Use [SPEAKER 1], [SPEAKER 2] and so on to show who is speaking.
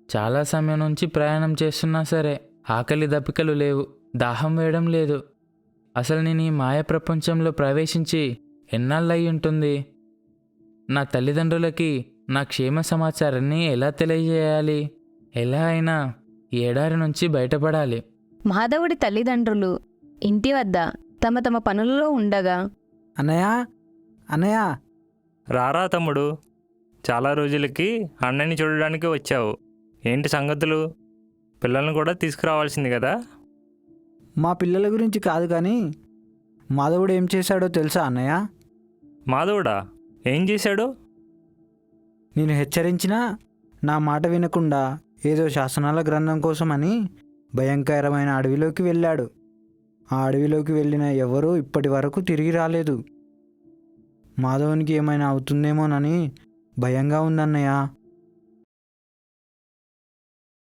[SPEAKER 1] చాలా సమయం నుంచి ప్రయాణం చేస్తున్నా సరే ఆకలి దప్పికలు లేవు, దాహం వేయడం లేదు. అసలు నేను ఈ మాయ ప్రపంచంలో ప్రవేశించి ఎన్నాళ్ళయి ఉంటుంది? నా తల్లిదండ్రులకి నా క్షేమ సమాచారాన్ని ఎలా తెలియజేయాలి? ఎలా అయినా ఈ ఎడారి నుంచి బయటపడాలి.
[SPEAKER 2] మాధవుడి తల్లిదండ్రులు ఇంటి వద్ద తమ తమ పనులలో ఉండగా,
[SPEAKER 3] అన్నయ్య అన్నయ్య
[SPEAKER 4] రారా తమ్ముడు, చాలా రోజులకి అన్నని చూడడానికి వచ్చావు. ఏంటి సంగతులు? పిల్లల్ని కూడా తీసుకురావాల్సింది కదా.
[SPEAKER 3] మా పిల్లల గురించి కాదు కానీ మాధవుడు ఏం చేశాడో తెలుసా అన్నయ్య?
[SPEAKER 4] మాధవుడా? ఏం చేశాడు?
[SPEAKER 3] నేను హెచ్చరించినా నా మాట వినకుండా ఏదో శాసనాల గ్రంథం కోసమని భయంకరమైన అడవిలోకి వెళ్ళాడు. ఆ అడవిలోకి వెళ్ళిన ఎవరూ ఇప్పటి వరకు తిరిగి రాలేదు. మాధవునికి ఏమైనా అవుతుందేమోనని భయంగా ఉందన్నయ్య.